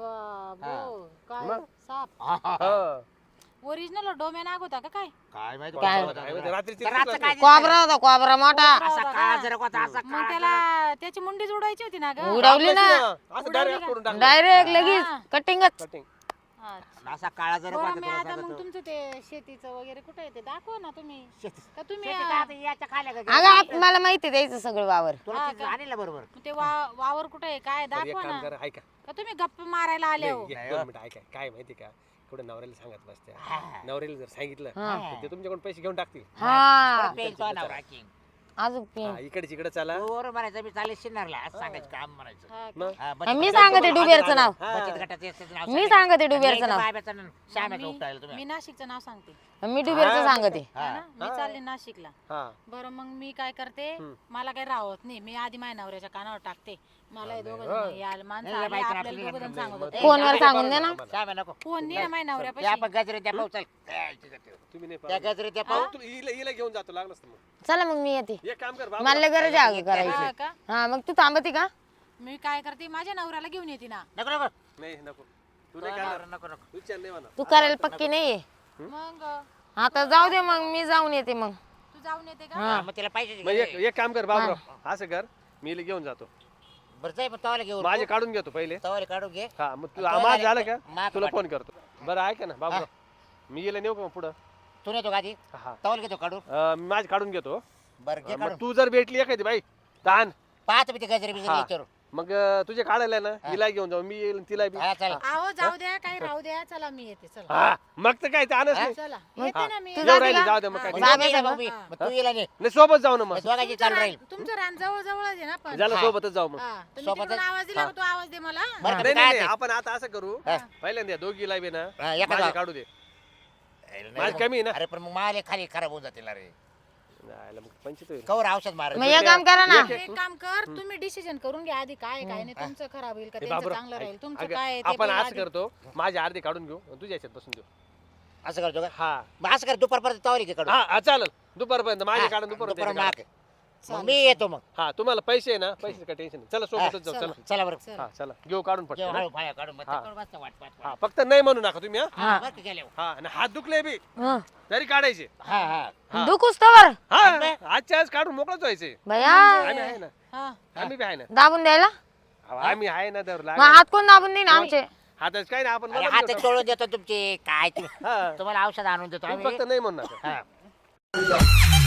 [SPEAKER 2] बाबो काय
[SPEAKER 4] मग?
[SPEAKER 2] साप
[SPEAKER 3] हा, हा, हा.
[SPEAKER 4] हो
[SPEAKER 2] ओरिजिनल डोमे नाग होता का काय?
[SPEAKER 3] काय माहिती
[SPEAKER 1] काय?
[SPEAKER 3] कोणता
[SPEAKER 4] काय
[SPEAKER 3] होता
[SPEAKER 4] माहिती, रात्रीची
[SPEAKER 3] तर रातचं काय दिसलं?
[SPEAKER 1] कोबरा होता कोबरा मोठा.
[SPEAKER 3] असा काळा जरक होता असा
[SPEAKER 2] मग
[SPEAKER 3] काळा
[SPEAKER 2] त्याला त्याची मुंडी जोडायची होती ना ग
[SPEAKER 1] उडवली ना
[SPEAKER 4] असं डायरेक्ट करून टाकलं
[SPEAKER 1] डायरेक्ट लगेच
[SPEAKER 2] हा.
[SPEAKER 1] कटिंगच.
[SPEAKER 4] कटिंग
[SPEAKER 2] अच्छा.
[SPEAKER 3] जरक. असा काळा जरक
[SPEAKER 2] बरं
[SPEAKER 3] होता
[SPEAKER 2] मी
[SPEAKER 3] तुला
[SPEAKER 2] आता मग
[SPEAKER 3] सांगतो.
[SPEAKER 2] तुमचं ते शेतीचं वगैरे कुठे आहे ते दाखवा ना तुम्ही
[SPEAKER 3] शेती-
[SPEAKER 2] का तुम्ही
[SPEAKER 3] शेती
[SPEAKER 2] अं,
[SPEAKER 3] काय आता याच्या खाल्या का
[SPEAKER 1] अगं आप- मला माहिती द्यायचं सगळं वावर.
[SPEAKER 3] तुला
[SPEAKER 2] हा
[SPEAKER 3] तिथं
[SPEAKER 2] का?
[SPEAKER 3] आणलं बरोबर
[SPEAKER 2] मग ते वा- वावर कुठे आहे काय
[SPEAKER 4] बरं, एक
[SPEAKER 2] दाखवा
[SPEAKER 4] काम
[SPEAKER 2] ना
[SPEAKER 4] करा ऐका
[SPEAKER 2] का तुम्ही गप्प मारायला आले हो
[SPEAKER 4] नाही, एक दोन मिनिटं ऐका काय माहिती का कुठं नवऱ्याला सांगत बसत्या
[SPEAKER 3] हा.
[SPEAKER 4] नवऱ्याला जर सांगितलं
[SPEAKER 1] हा.
[SPEAKER 4] तर ते तुमच्याकडून पैसे घेऊन टाकतील
[SPEAKER 1] हा
[SPEAKER 3] परत पेन तो आणावं राखीन.
[SPEAKER 1] अजून पेन.
[SPEAKER 4] हा, इकडे तिकडे चला
[SPEAKER 3] तू बरोबर म्हणायचं मी चालेल शिन्नरला असं सांगायचं काम म्हणायचं
[SPEAKER 2] हा का?
[SPEAKER 4] मग
[SPEAKER 3] हा, बचत
[SPEAKER 1] मी
[SPEAKER 3] गटाचं-
[SPEAKER 1] सांगते डुबेरचं नाव.
[SPEAKER 4] हा.
[SPEAKER 3] बचत गटाचं याचं नाव
[SPEAKER 1] मी
[SPEAKER 3] सांगायचं.
[SPEAKER 1] सांगते डुबेरचं
[SPEAKER 3] आणि
[SPEAKER 1] नाव.
[SPEAKER 3] बायबाचं नाव श्यामाचं
[SPEAKER 2] मी
[SPEAKER 3] उपटायला तुम्ही
[SPEAKER 2] मी नाशिकचं नाव सांगते
[SPEAKER 1] मी डुबेरचं
[SPEAKER 4] हा.
[SPEAKER 1] सांगते.
[SPEAKER 2] है ना? मी चालले नाशिकला
[SPEAKER 4] हा
[SPEAKER 2] बरं मग मी काय करते
[SPEAKER 4] हम्म.
[SPEAKER 2] मला काही राहत नाही मी आधी माझ्या नवऱ्याच्या कानावर टाकते मला हे दोघं
[SPEAKER 4] होय.
[SPEAKER 2] जण याल माणसं
[SPEAKER 3] नाही,
[SPEAKER 2] आले,
[SPEAKER 3] बाईचं
[SPEAKER 2] आपल्याला
[SPEAKER 3] आपल्याला
[SPEAKER 2] दोघं जण
[SPEAKER 3] नाही,
[SPEAKER 2] सांगत
[SPEAKER 3] मग
[SPEAKER 2] होते
[SPEAKER 1] फोनवर सांगून दे ना.
[SPEAKER 3] श्यामा नको
[SPEAKER 2] फोन नाही ना माझ्या
[SPEAKER 3] ते
[SPEAKER 2] नवऱ्यापाशी
[SPEAKER 3] आपण गजरे त्या पाहू चल काय तिथं ठेव.
[SPEAKER 4] तुम्ही नाही
[SPEAKER 3] त्या
[SPEAKER 4] पाहू.
[SPEAKER 3] गजरे त्या
[SPEAKER 2] हा?
[SPEAKER 3] पाहू
[SPEAKER 4] तू हिला हिला घेऊन जातो लागलंच तर मग
[SPEAKER 1] चला मग मी येते.
[SPEAKER 4] एक काम कर बाबा
[SPEAKER 1] मला लय गरज आहे अगं
[SPEAKER 2] हा
[SPEAKER 1] करायची.
[SPEAKER 2] का
[SPEAKER 1] हा मग तू थांबती का?
[SPEAKER 2] मी काय करते माझ्या नवऱ्याला घेऊन येते ना
[SPEAKER 3] नको नको
[SPEAKER 4] नाही नको तू नाही करणार
[SPEAKER 3] नको नको
[SPEAKER 4] तू विचार नाही म्हणा
[SPEAKER 1] तू करायला पक्की नाहीये.
[SPEAKER 2] मग
[SPEAKER 1] आता जाऊ दे मग मी जाऊन येते मग.
[SPEAKER 2] तू जाऊन येते का
[SPEAKER 3] हा, मग तिला पैसे
[SPEAKER 4] मग एक एक काम कर बाबूराव असं कर मी हिला घेऊन जातो
[SPEAKER 3] बरं जाय मग तवाला घेऊन
[SPEAKER 4] माझे काढून घेतो पहिले
[SPEAKER 3] तवाला काढून घे
[SPEAKER 4] हा मग तू
[SPEAKER 3] तो
[SPEAKER 4] आम्हाला
[SPEAKER 3] झाले-
[SPEAKER 4] झालं का
[SPEAKER 3] माग
[SPEAKER 4] तुला
[SPEAKER 3] पाठ.
[SPEAKER 4] फोन करतो बरं ऐका ना बाबूराव मी गेलं नेऊ का मग पुढं
[SPEAKER 3] तू नेतो का आधी
[SPEAKER 4] हा
[SPEAKER 3] तवाला घेतो काढून
[SPEAKER 4] अं, मी माझे काढून घेतो
[SPEAKER 3] बरं घे
[SPEAKER 4] मग
[SPEAKER 3] काढून
[SPEAKER 4] तू जर भेटली एखादी बाई ताण
[SPEAKER 3] पाहतो मी ते गजरे बिजरे
[SPEAKER 4] हा.
[SPEAKER 3] विचारू
[SPEAKER 4] मग अं, तुझे काढायला ना हिला घेऊन जाऊ मी येईल तिला बी
[SPEAKER 3] हा चल
[SPEAKER 2] आहो जाऊ द्या काही राहू द्या चला मी येते चला
[SPEAKER 4] हा मग तर काय ते आणच नाही
[SPEAKER 2] चला येते ना मी
[SPEAKER 1] तू
[SPEAKER 4] येऊ
[SPEAKER 1] जाते
[SPEAKER 4] राहिली,
[SPEAKER 1] का?
[SPEAKER 4] जाऊ दे मग काय
[SPEAKER 3] मग
[SPEAKER 1] जा
[SPEAKER 3] तू
[SPEAKER 1] बे
[SPEAKER 3] ये ना
[SPEAKER 1] सगळं.
[SPEAKER 3] मग मी. मग तू येला नाही
[SPEAKER 4] नाही सोबत जाऊ ना मग
[SPEAKER 3] दोघांची चालू राहील
[SPEAKER 2] तुमचं रान जवळ जवळच आहे ना पण
[SPEAKER 4] झालं
[SPEAKER 3] हा.
[SPEAKER 4] सोबतच जाऊ मग
[SPEAKER 2] हा, तर मी
[SPEAKER 3] सोबतच-
[SPEAKER 2] तिकडून आवाज दिला का तू आवाज दे मला
[SPEAKER 3] बरं का,
[SPEAKER 4] नाही
[SPEAKER 3] मी
[SPEAKER 4] नाही
[SPEAKER 3] काय
[SPEAKER 4] नाही,
[SPEAKER 3] ते?
[SPEAKER 4] आपण आता असं करू
[SPEAKER 3] हा.
[SPEAKER 4] पहिल्यांदा दोघीला बी ना
[SPEAKER 3] हा, एका
[SPEAKER 4] माझे
[SPEAKER 3] जाऊ.
[SPEAKER 4] काढू दे
[SPEAKER 3] नाही,
[SPEAKER 4] माझी कमी आहे ना.
[SPEAKER 3] अरे पण मग माल खाली खराब होऊन जातील रे
[SPEAKER 4] नाही, मग पंचित होईल
[SPEAKER 3] कवर औषध मार
[SPEAKER 1] मग एक काम करा ना.
[SPEAKER 2] एक काम कर तुम्ही डिसिजन करून घ्या आधी काय काय नाही तुमचं खराब होईल का
[SPEAKER 4] हे
[SPEAKER 2] त्यांचं
[SPEAKER 4] बाबूराव,
[SPEAKER 2] चांगलं राहील
[SPEAKER 4] ऐक,
[SPEAKER 2] तुमचं
[SPEAKER 4] अगं,
[SPEAKER 2] काय आहे ते
[SPEAKER 4] आपण
[SPEAKER 2] बघा
[SPEAKER 4] असं
[SPEAKER 2] आधी.
[SPEAKER 4] करतो माझे अर्धे काढून घेऊ आणि तुझ्या याच्यात बसून देऊ
[SPEAKER 3] असं करतो का
[SPEAKER 4] हा
[SPEAKER 3] मग असं कर दुपारपर्यंत तवाली घे काढून
[SPEAKER 4] हा हा, चालेल दुपारपर्यंत माझे
[SPEAKER 3] हा,
[SPEAKER 4] काढून दुपार
[SPEAKER 3] दुपार माग मग मी येतो मग
[SPEAKER 4] हा तुम्हाला पैसे आहे ना पैसे काय टेन्शन नाही चला सोबतच जाऊ चला
[SPEAKER 3] चला बरं
[SPEAKER 2] चल.
[SPEAKER 4] हा चला घेऊ काढून
[SPEAKER 3] जेव्हा
[SPEAKER 4] पटकन
[SPEAKER 3] हळू पाया काढून मग
[SPEAKER 4] हा.
[SPEAKER 3] तिकडं बसतं वाट पाहत.
[SPEAKER 4] हा फक्त नाही म्हणू नका तुम्ही हा
[SPEAKER 3] हा बरं का गेल्यावर.
[SPEAKER 4] हा आणि हात दुखले बी
[SPEAKER 1] हं.
[SPEAKER 4] तरी काढायचे
[SPEAKER 3] हा हा
[SPEAKER 4] हा.
[SPEAKER 1] दुखूस तवर
[SPEAKER 4] हा आजच्या आज काढून मोकळच व्हायचे
[SPEAKER 1] भया
[SPEAKER 4] आम्ही आहे ना
[SPEAKER 2] हा
[SPEAKER 4] आम्ही बी आहे ना
[SPEAKER 1] दाबून द्यायला.
[SPEAKER 4] अहो, आम्ही आहे ना तर
[SPEAKER 1] मग हात कोण दाबून देईन आमचे.
[SPEAKER 4] हाताच काय ना आपण
[SPEAKER 3] अरे
[SPEAKER 4] मदत
[SPEAKER 3] हात
[SPEAKER 4] करतो.
[SPEAKER 3] चोळून देतो तुमचे काय तुम्ही
[SPEAKER 4] हा
[SPEAKER 3] तुम्हाला औषध आणून देतो
[SPEAKER 4] तुम्ही
[SPEAKER 3] आम्ही
[SPEAKER 4] फक्त नाही म्हणू नका
[SPEAKER 3] हा